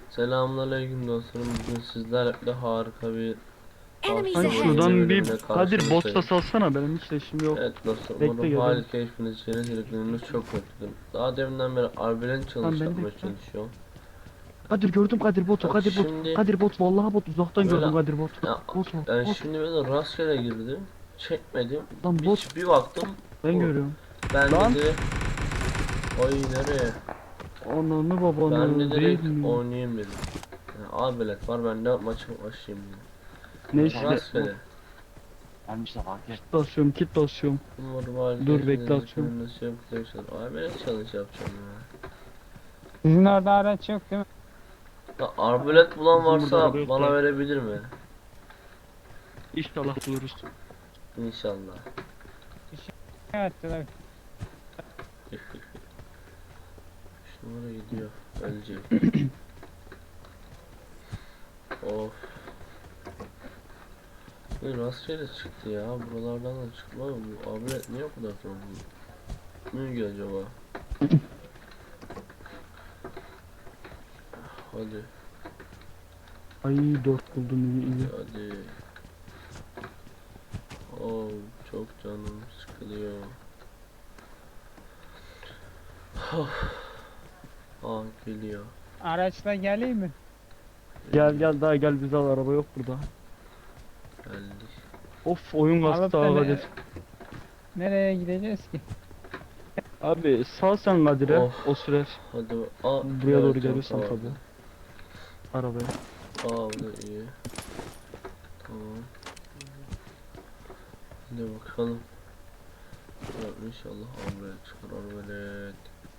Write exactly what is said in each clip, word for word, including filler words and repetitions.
Selamünaleyküm dostlarım. Bugün sizlerle harika bir Enemies Hani ahead. Şuradan bir bölümüne Kadir bot da karşınızdayım. salsana, benim hiç işim yok. Evet dostlar, Bekle, umarım geliyorum. hali keyfiniz yerine geldikleriniz çok mutluyum. Daha deminden beri arbelen Tamam, challenge ben de yapmaya gittim. çalışıyorum. Kadir gördüm, Kadir botu, Bak Kadir bot. şimdi- Kadir bot, vallahi bot, uzaktan Böyle- gördüm Kadir bot. Ya, Bot bot, ben bot. şimdi böyle rastgele girdim. Çekmedim. Lan Bir, bot, bir baktım. ben bu. görüyorum. Ben Lan. dedi. Oy nereye? Ananı Ben babanı de değil direkt mi? oynayayım dedim. Yani arbelet var, ben de maçı başlayayım dedim. Neyse. Rastgele. Ben işte fark et. Kit basıyorum, kit basıyorum. Umarım hali Dur, keyfiniz bekle, yerine atıyorum. nasıl yapıyorsanız. Arbelet challenge yapacağım ya. Sizin orada araç yok değil mi? Ya arbalet bulan Bizim burada varsa araba yok bana da. verebilir mi? İnşallah buluruz. İnşallah. Evet, evet. Şu numara gidiyor. Ölecek. Of. Bu rastgele çıktı ya. Buralardan da çıkmıyor. Bu arbalet niye o kadar zorlu? Ne ki acaba? Hadi. Ay dört buldum, iyi iyi. Hadi. Oh, çok canım sıkılıyor. Ah geliyor. Araçla geleyim mi? Gel gel daha gel, bize al, araba yok burada. Geldik. Of, oyun Alıp kastı da ha ne- Kadir. Nereye gideceğiz ki? Abi sal sen Kadir'e, Of. o sürer. Hadi. Aa, Buraya doğru evet, geliyorsan tamam. tabii. Arabaya. Aa bu da iyi. Tamam. Hadi bakalım. Ya inşallah arbalet çıkar arbalet.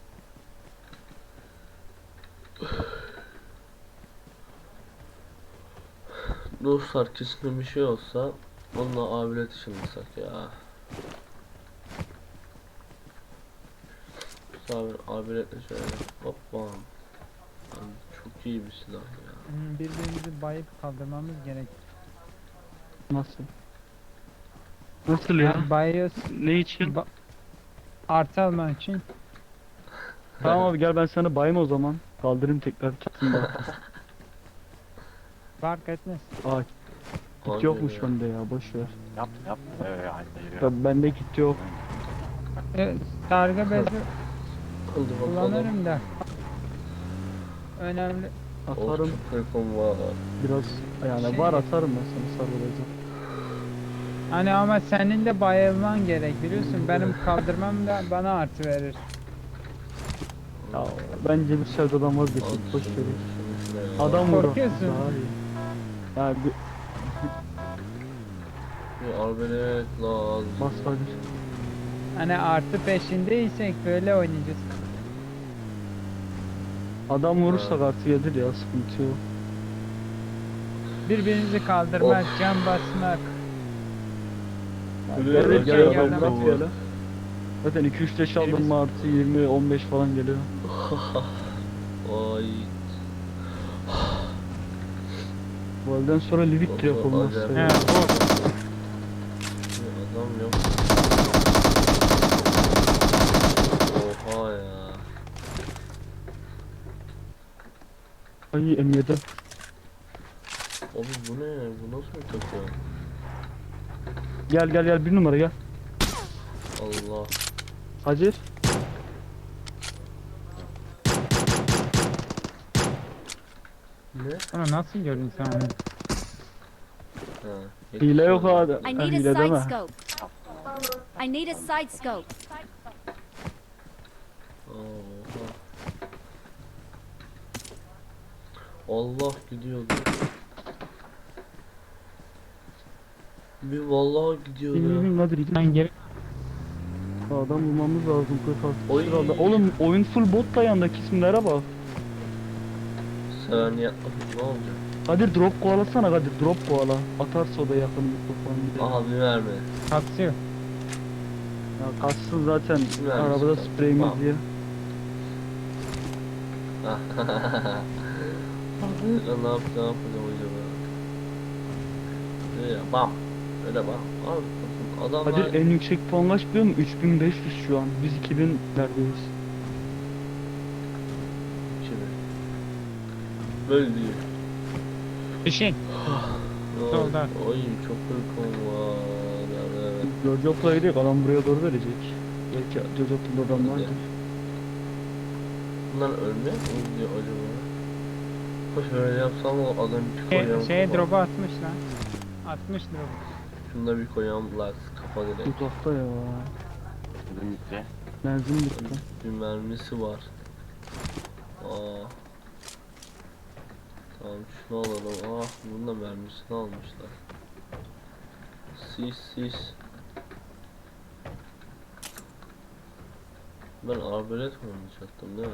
Dostlar kesin bir şey olsa onunla arbalet işinlesak ya. Sabir arbaletle şöyle hoppa. Abi çok iyi bir silah ya. Hmm, Birbirimizi bayıp kaldırmamız gerek. Nasıl? Nasıl ya? Bayıyoruz. Ne için? Ba artı almak için. Tamam abi, gel ben sana bayım o zaman. Kaldırayım tekrar, tutsun da. Fark etmez. Aa, Hadi kit yokmuş ya. bende ya, boş ver. Yap yap. Ee, hadi yürü. Ya bende kit yok. E, sargı bezi Hadi bakalım. kullanırım da. Önemli. Of Atarım çok uykum var. biraz, yani Şey- var, atarım ben sana sarılacağım. Hani ama senin de bayılman gerek biliyorsun. Benim kaldırmam da bana artı verir. Ya bence bir sevdadan vazgeçin, Hadi boş şunu, verin. şunu, şunu ya. Adam vurur. Korkuyorsun. Daha iyi. Ya bir Bir arbalet lazım. bas hadi. Hani artı peşindeysek böyle oynayacağız. Adam vurursak artı gelir ya, sıkıntı yok. Birbirinizi kaldırmak, can basmak. Yani Buraya gel bak gel ya, adam yerden bırak bu. gel. Zaten iki üç leş aldım mı artı yirmi on beş falan geliyor. Ay. Bu elden sonra Livik direkt olmaz. Acayip. He, Bir adam yok. Oha ya. Ay M yedi. Abi bu ne? Bu nasıl bir takım? Gel gel gel, bir numara gel. Allah. Hacer. Ne? Ama nasıl gördün sen onu? Ha. Hile yok yetişiyor. abi. I Ha, need a hile side deme. scope. I need a side scope. Oha. Allah gidiyordu. Bir vallahi gidiyordu. İn in in, hadi gidin. Ben geri Adam bulmamız lazım kırk Oy. altı sırada. Oğlum oyun full bot da, yandaki isimlere bak. Sen yapmadın ne olacak? Kadir drop kovalasana Kadir, drop kovala. Atarsa o da yakın mikrofon. Abi verme. kapsıyor. Ya kaçsın zaten Ver arabada misin? spreyimiz Tamam. diye. Abi ne yaptı ne yapacağım acaba? Ne ya bam. Öyle bam. Abi adamlar. Kadir en yüksek puan kaç biliyor musun? üç bin beş yüz şu an. Biz iki binlerdeyiz. Kimi? Böyle değil. Fişek. Oy, Solda. Oy çok korkum var. Evet. Jojok'la gidiyor, adam buraya doğru verecek. Belki Jojok'ta adam vardır. Bunlar ölmüyor mu diyor acaba? Hoş böyle yapsam o adam bir Şey, koyam. şeye kafa. drop'u atmış lan. Atmış drop'u. Şunda bir koyam las kafa direkt. Uzakta ya. Dedim bitti. Benzin bitti. Bir mermisi var. Aa. Tamam şunu alalım. Ah bunun da mermisini almışlar. Sis sis. Ben arbalet mi oynayacaktım değil mi?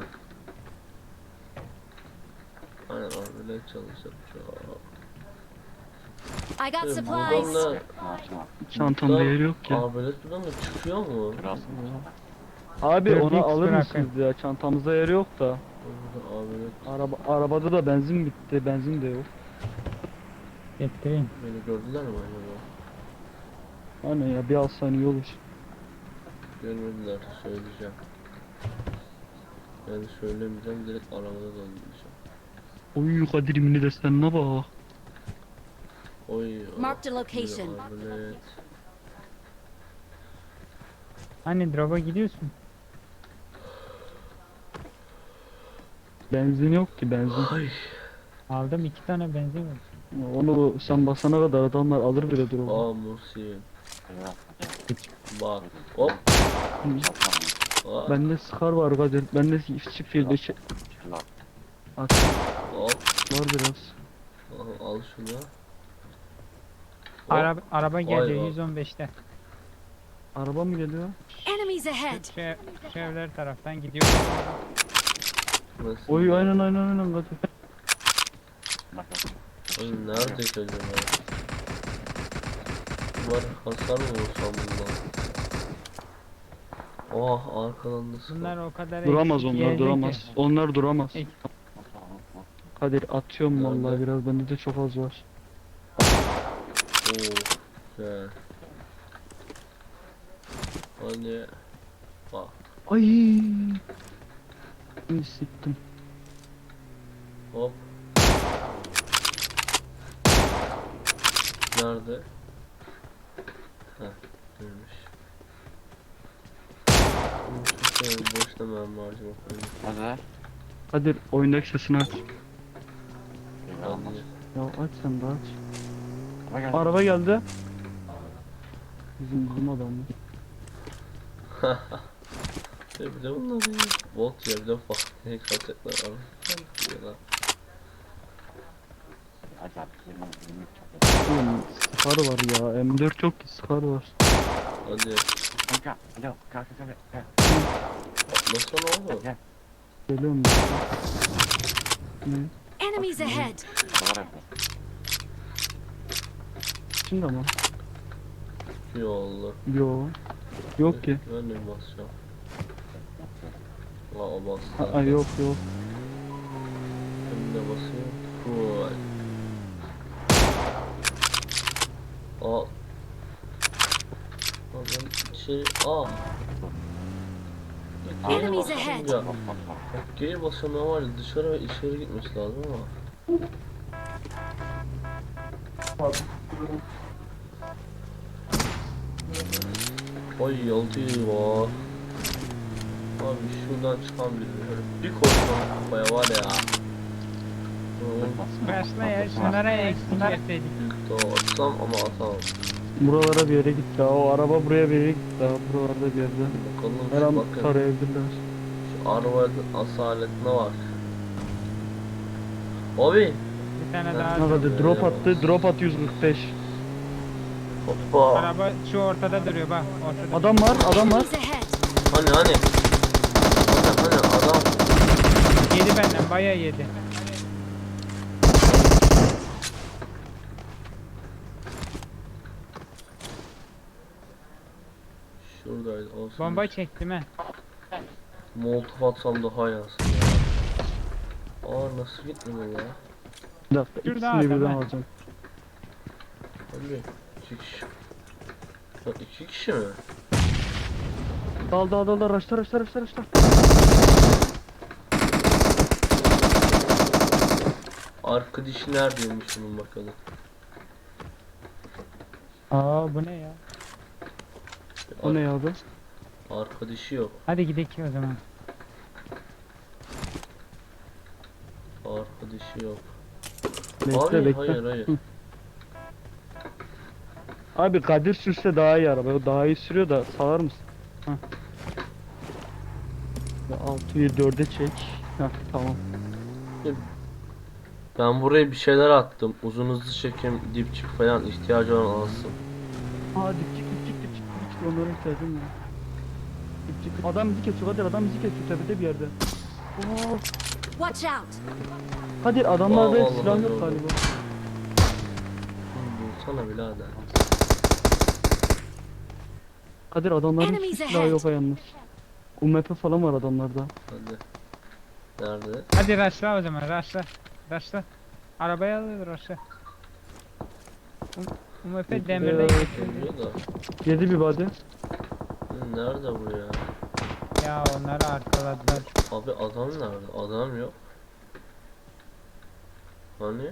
Aynen arbalet çalışacağım. I got Ee, supplies. Buradan da Maaşım var. Çantamda buradan yer yok ya. arbalet buradan da çıkıyor mu? Biraz. Abi Dört onu X alır bırakın. mısınız ya? Çantamızda yer yok da. Burada arbalet Araba arabada da benzin bitti. Benzin de yok. Getireyim. beni gördüler mi acaba? Aynen ya, bir alsan iyi olur. Görmediler söyleyeceğim. Yani söylemeyeceğim direkt arabada dolduracağım. Oy Kadir'imini de sen ne bak. Oy. Marked a ah, location. bir arbalet. Hani drop'a gidiyorsun? Benzin yok ki benzin. Ay. Aldım iki tane benzin var. Onu sen basana kadar adamlar alır bile durumu. Aa Musi. Eyvah. Bak. Hop. Aa. Bende Scar var Kadir. Bende çift filde şey. Şurada. At Hop. var biraz. Al, al şunu. Hop. Araba, araba geliyor vay. yüz on beşte. Araba mı geliyor? Enemies ahead. Şu, şu evler taraftan gidiyor. Nasıl? Oy aynen aynen aynen Kadir. Bak bak. Oğlum nerede ki acaba? Var hasar mı vursam bundan? Oh arkadan da sıkı. Bunlar o kadar Duramaz eksik onlar yerde duramaz. ki. Onlar duramaz. Ek- Kadir atıyorum Nerede? vallahi biraz, bende de çok az var. Oo. Güzel. Hadi. Bak. Ay. Şimdi siktim. Hop. Nerede? Heh, görmüş. Düşünsene boşuna mermi harcamak öyle. Hadi. Kadir oyundaki sesini aç. Eyvah olmaz. Hadi. Ya aç sen de aç. Araba geldi. Araba geldi. Bizim bizim adam mı? Ya bir de bunlar ya. Bot ya bir de bak ne kaçacaklar abi. Ya. Hadi abi. Yirmi, yirmi üç. Oğlum Scar var ya. M dört yok ki, Scar var. Hadi. Kanka. Alo. Kalk kalk kalk. Atlasana oğlum. Gel. Geliyorum ben. Ne? Enemies ahead. Arabalar evde. Şimdi ama. İyi oldu. Yo. Yok ki. Ben de bir basacağım. Aa o bastı. Aa yok yok. Hem de basıyor. Full. Aa. Aa ben şey aa. Geri Enemies basacağım ahead. ya. Bak bak bak. Bak geri basıyorum var ya dışarı ve içeri gitmesi lazım ama. Ay yolcu var. Abi şuradan çıkan biri. Bir koşmam kafaya var ya. Oo, Başla ya şunlara eksik verseydik. büyük de atsam ama atamam. Buralara bir yere gitti. O araba buraya bir yere gitti. Daha buralarda bir yerde. Bakalım Her şu an bakın. tarayabilirler. Şu arabanın asaletine bak. Abi. Bir tane Ha, daha. Ne kadar Öyle drop yapamaz. attı. Drop at yüz kırk beş. Hoppa. Araba şu ortada duruyor bak. Ortada. Adam var, adam var. Enemies ahead. Hani hani. Hani hani adam. Yedi benden bayağı yedi. Şuradaydı olsun. Bomba çektim he. Molotof atsam daha yansın ya. Aa nasıl gitmiyor ya? Bir dakika, Şurada ikisini adam birden ha. alacağım. Hadi. İki kişi. Lan iki kişi mi? Dal dal dal dal, raşla raşla raşla raşla. Arkadaşı neredeymiş bunun bakalım. Aa bu ne ya? O ne ya abi? Arkadaşı yok. Hadi gidelim o zaman. Arkadaşı yok. Bekle Abi bekle. hayır hayır. Hı. Abi Kadir sürse daha iyi araba. O daha iyi sürüyor da salar mısın? Heh. altıyı dörde çek. Heh, tamam. Ben buraya bir şeyler attım. Uzun hızlı çekim, dipçik falan ihtiyacı olan alsın. Aa dipçik dipçik dipçik dipçik onlara ihtiyacım var. Dipçik. Adam bizi kesiyor Kadir, adam bizi kesiyor tepede bir yerde. Oo, Watch out! Kadir adamlarda Vallahi silah yok gördüm. galiba. Bulsana birader. Kadir adamların hiç Enemies silahı ahead. yok ha yalnız. U M P falan var adamlarda. Hadi. Nerede? Hadi raşla o zaman raşla. Raşla. Arabaya alıyor raşla. U M P demirden Evet. geçiyor. Geliyor da. Yedi bir body. Hı, Nerede bu ya? Ya onları arkaladılar. Abi adam nerede? Adam yok. Hani?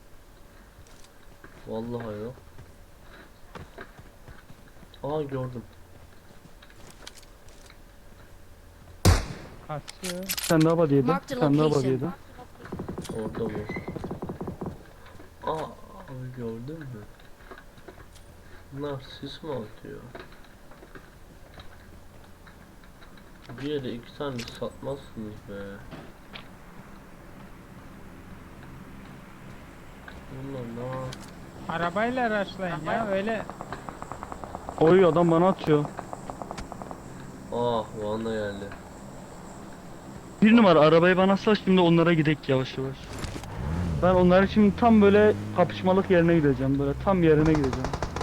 Vallahi yok. Aa gördüm. Kasıyor. Sen daha body yedi. Mark the Sen daha body location. yedi. Orada bu. Aa abi gördün mü? Bunlar sis mi atıyor? Bir yere iki tane satmazsınız be. Bunlar ne? Arabayla raşlayın ya öyle. Oy adam bana atıyor. Ah Van'da geldi. Bir numara arabayı bana sal, şimdi onlara gidek yavaş yavaş. Ben onların şimdi tam böyle kapışmalık yerine gideceğim, böyle tam yerine gideceğim.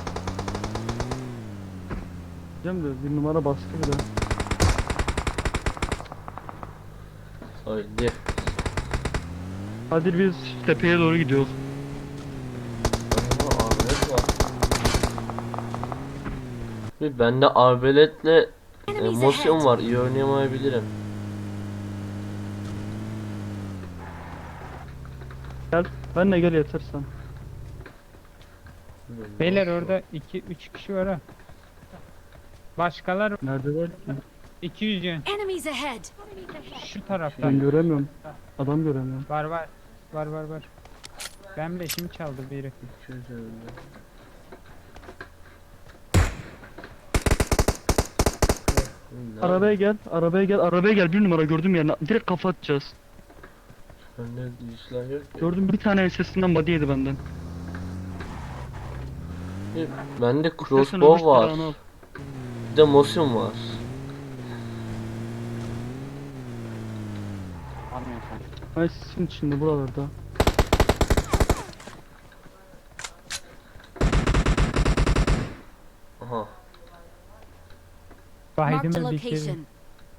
Gideceğim de bir numara baskı bile. Haydi. Hadi biz tepeye doğru gidiyoruz. Aa, arbelet var. Bir bende arbeletle e, Enemies motion ahead! var. İyi oynayamayabilirim. Gel, benle gel yetersen. Bilmiyorum, Beyler nasıl? orada iki üç kişi var ha. Başkalar Nerede var ki? iki yüz yön. Enemies ahead! Şu tarafta. Ben göremiyorum. Adam göremiyorum. Var var. Var var var. Ben de şimdi çaldı biri. iki yüz önünde. Nerede? Arabaya gel, arabaya gel, arabaya gel, bir numara gördüm yerine. Direkt kafa atacağız. Bende silah yok ki. Gördüm, bir tane sesinden body yedi benden. Bir- Bende İstersen öbür crossbow var. silahını al. Bir de motion var. Almıyor sen. Ay sizin içinde buralarda. Aha. Marked a Baydımı bir kere. location.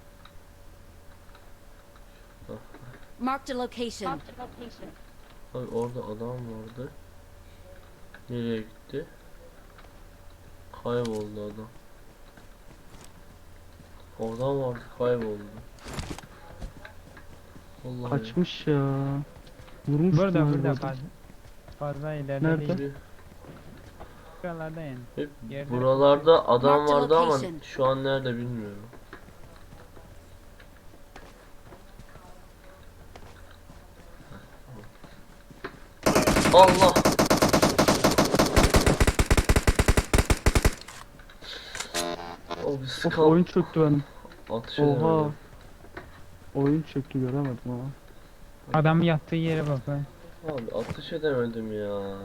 Marked a location. Abi orada adam vardı. Nereye gitti? Kayboldu adam. Oradan vardı kayboldu. Vallahi. Kaçmış ya. Vurmuş Burada galiba burada adam. fazla. Fazla ileride Nerede? değil. Bir- Şuralarda yani. Hep Yerde- buralarda adam Marked vardı ama location. şu an nerede bilmiyorum. Allah! O bir Of, skal oyun çöktü benim. atış Oha. edemedim. Oyun çöktü, göremedim ama. Adam yattığı yere bak ha. Abi atış edemedim ya.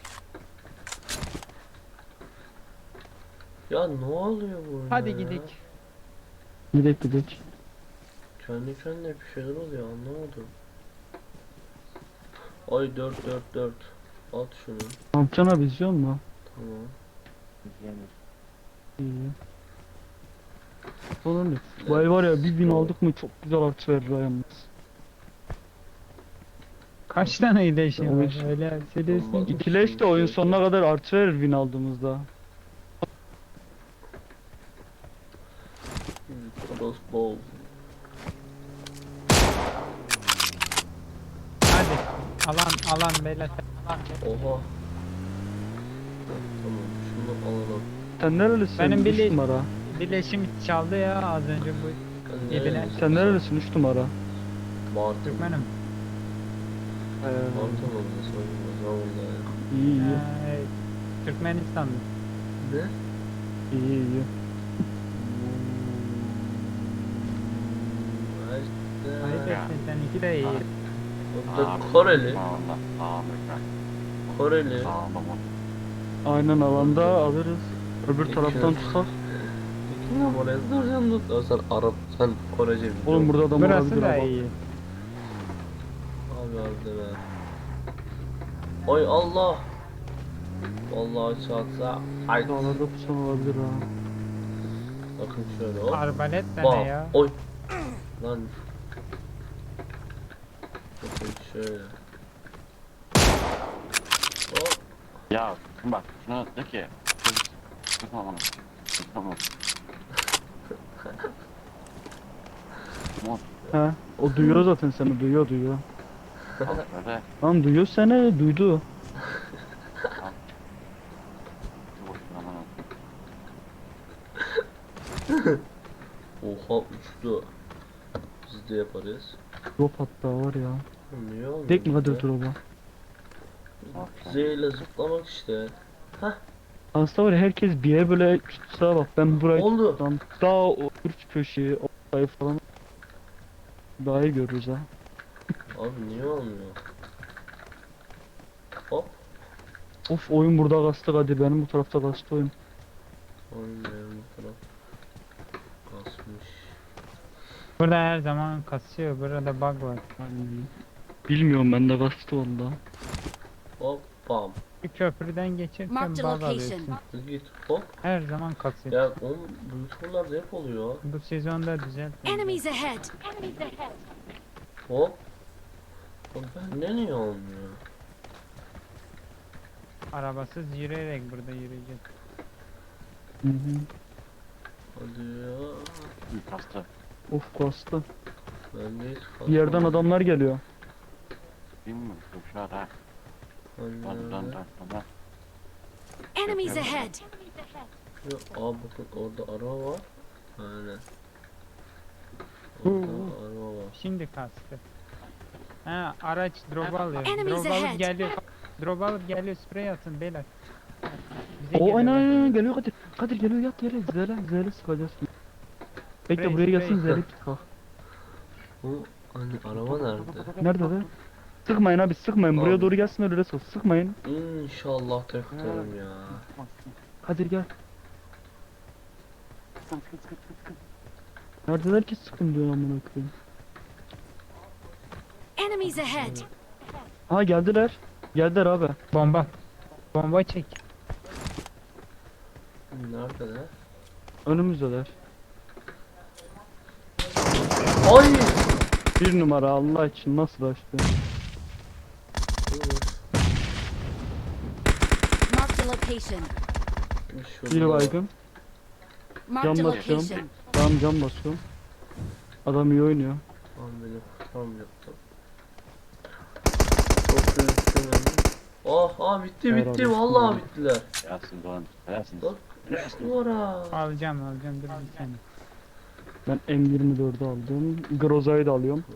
Ya ne oluyor burada Hadi ya? gidelim. Gidek gidek. Kendi kendine bir şeyler oluyor anlamadım. Ay dört dört dört. At şunu. Ne yapacaksın abi, izliyor musun? Tamam. İzleyemiyor. İyi. Sonra ne? Bu ay var ya, bir bin aldık mı çok güzel artı verir ha yalnız. Kaç tane iyileşim Oyun- var öyle söylüyorsun ki. İkileş de oyun sonuna kadar artı verir bin aldığımızda. Crossbow. Hadi. Alan alan beyler. Alan. Oha. Heh, tamam şunu alalım. Sen nerelisin? Benim üç bile- numara. Bileşim çaldı ya az önce bu. Ben Yedine. nerelisin Sen nerelisin üç numara? Martı mı? Türkmenim. Ee, Martı mı? Sorun vallahi ya. iyi iyi. Ee, Türkmenistan'da. Ne? İyi iyi. Hayır etsin seninki de iyi. Orada Koreli. Allah. Amerika. Koreli. Sağlamam. Aynen alanda alırız. Öbür İki taraftan numara. tutar. İki numaraya soracağım da. Ya sen Arap, sen Korece biliyorsun. Oğlum burada adam Burası olabilir da ama. iyi. Abi abi deme. Oy Allah. Vallahi çatsa. Ay. Dağlarda pusan olabilir ha. Bakın şöyle hop. Arbalet de ne Bam. ya? Oy. Lan. Bakın şöyle. Hop. Ya bak şuna de ki. Sıkma bana. Sıkma bana. Mod. He. O duyuyor zaten seni duyuyor duyuyor. Al böyle. Lan duyuyor seni duydu. Dur aman al. Oha uçtu. Biz de yaparız. Drop hatta var ya. Niye olmuyor? Dek mi işte? Kadir drop'a? Zeyle zıplamak işte. Aslında var ya herkes bir yere böyle tutsa bak ben burayı Oldu. tutsam daha o üç köşeyi o sayı falan daha iyi görürüz ha. Abi niye olmuyor? Hop. Of oyun burada kastı Kadir benim bu tarafta kastı oyun. Olmuyor bu taraf. Kasmış. Burada her zaman kasıyor. Burada bug var. Bilmiyorum ben de kastı valla. Hop bam. Bir köprüden geçerken Marked bug a alıyorsun. location. Git hop. Her zaman kasıyor. Ya oğlum bu turlarda hep oluyor. Bu sezonda düzelt. Enemies ahead. Hop. Oğlum bende niye olmuyor? Arabasız yürüyerek burada yürüyeceğiz. Hı hı. Hadi ya. Hı, kastı. Of kastı. Bende hiç Bir yerden kalmadı. adamlar geliyor. Bilmiyorum. Şu an ha. Hani Dön dön nerede? dön. Dön. Enemies ahead. Yok, aa bakın orada araba var. Aynen. Orada araba var. Şimdi kastı. Ha araç drop alıyor. Enemies Drop alıp ahead. geliyor. Drop alıp geliyor sprey atın beyler. Bize O aynen geliyorlar. aynen geliyor Kadir. Kadir geliyor yat yere zele zele sıkacağız. Bekle Sprey, buraya gelsin sprey. zele kalk. Bu hani araba nerede? Nerede de? Sıkmayın abi sıkmayın buraya Abi. doğru gelsin öyle sık. Sıkmayın. İnşallah tek tutarım ya. Kadir gel. Sıkın sıkın sıkın sıkın. Neredeler ki sıkın diyor amına koyayım. Enemies ahead. Ha geldiler. Geldiler abi. Bomba. Bomba çek. Neredeler? Önümüzdeler. Ay! Bir numara Allah için nasıl açtı? Marked a location. Bir baygın. Marked a Cam basıyorum. location. Tamam cam basıyorum. Adam iyi oynuyor. Lan benim kutam yaptım. Çok üzgünüm. Oh, ah bitti bitti Herhalde. vallahi bittiler. Gelsin doğan. Gelsin. Bak üç numara. Alacağım alacağım dur bir saniye. Ben M yirmi dördü aldım. Groza'yı da alıyorum.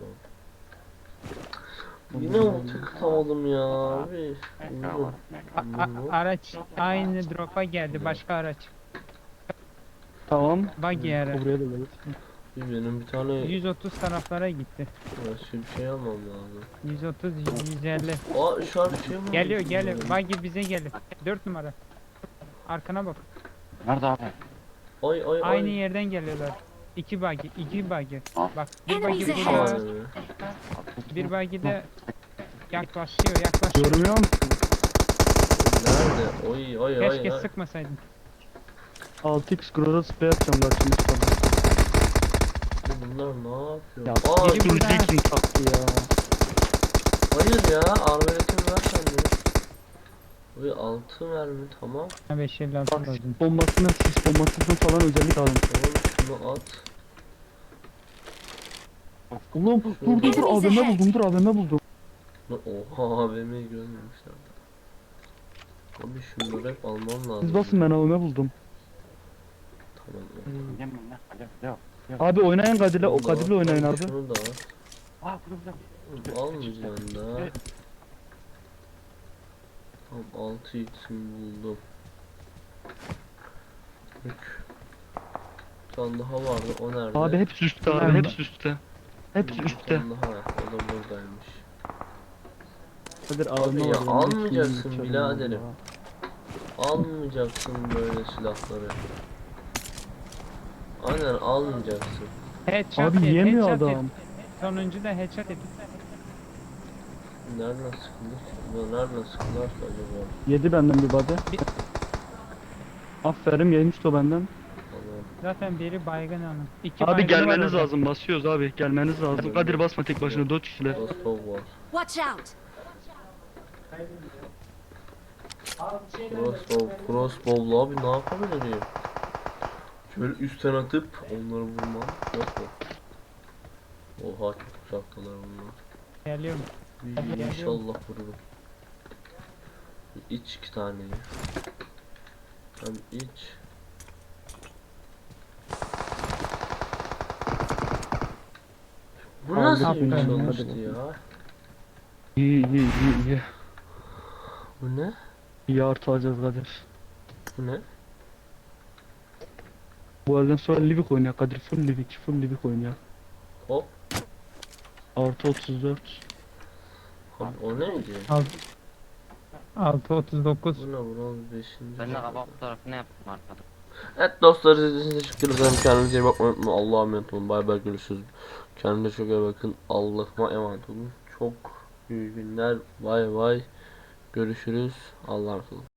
Yine o tıkatamadım ya abi. Meka var. Meka. A- a- araç aynı drop'a geldi başka araç. Tamam. Buggy ara. Buraya da gelir. Benim bir tane yüz otuz taraflara gitti. başka bir şey almam lazım. yüz otuz yüz elli. Aa şu an bir şey mi? Geliyor oldu? geliyor. Buggy bize geliyor. dört numara. Arkana bak. Nerede abi? Ay ay ay. Aynı yerden geliyorlar. İki buggy, iki buggy. Ah. Bak bir buggy Enemies burada, ahead. Abi. bir buggy de yaklaşıyor, yaklaşıyor. Görmüyor musun? Nerede? Oy oy oy. Keşke oy. sıkmasaydın. altı x Groza spray atacağım bak şimdi sana. Bunlar ne yapıyor? Ya Aa, biri kim burada. kim taktı ya. hayır ya arbaletim ver sende. Oy altı mermi tamam. beş elli altı Bak lazım. sis bombasını sis bombasını falan özellik alın. Tamam şunu at. Oğlum dur dur dur Enemies A V M ahead. buldum dur A V M buldum. Oha A V M'yi görmemişler. Abi şunları hep almam lazım. Siz basın, ben avime buldum. Tamam. Yemem lan. Hadi devam. Abi oynayın Kadir'le, o Şunu da Kadir'le al, oynayın abi abi. Şunu da al. Aa burada burada. Oğlum, almayacaksın da. Evet. Tamam altı x'imi buldum. Üç. Bir tane daha vardı, o nerede? Abi hepsi üstte abi, Nerede? hepsi üstte. Hepsi Bir üstte. tane daha var, o da buradaymış. Kadir Abi avime ya, var. ben de almayacaksın ikiyim, içerim biraderim. vallahi. Almayacaksın böyle silahları. Aynen almayacaksın. Headshot Abi yedi, yemiyor headshot adam. yedi. Sonuncu da headshot yedi. Nereden sıkılır? Bu nereden sıkılır ki acaba? Yedi benden bir body. Bir- Aferin, yemişti o benden. Tamam. Zaten biri baygın onun. İki Abi baygını var gelmeniz orada. lazım, basıyoruz abi, gelmeniz lazım. Kadir basma tek başına, dört kişiler. Crossbow var. Watch out! Crossbow, crossbow'la abi ne yapabilirim? Şöyle üstten atıp onları vurmam. Yok mu? Oha çok uzaktalar bunlar. Geliyorum. İyi, İnşallah vururum. İç iki taneyi. Hem iç. Bu Aldık nasıl bir birini, çalıştı hadi ya? İyi iyi iyi iyi. Bu ne? İyi artı alacağız Kadir. Bu ne? Bu elden sonra Livik oynuyor Kadir, full Livik, full Livik oynuyor. Hop. Artı otuz dört. Abi o neydi? altı otuz dokuz. Bu ne? Bronz beşinci. Ben de kaba fotoğrafını yaptım arkada. Evet dostlar, izlediğiniz için teşekkür ederim. Kendinize iyi bakmayı unutmayın. Allah'a emanet olun. Bay bay, görüşürüz. Kendinize çok iyi bakın. Allah'a emanet olun. Çok iyi günler. Bay bay. Görüşürüz. Allah'a emanet olun.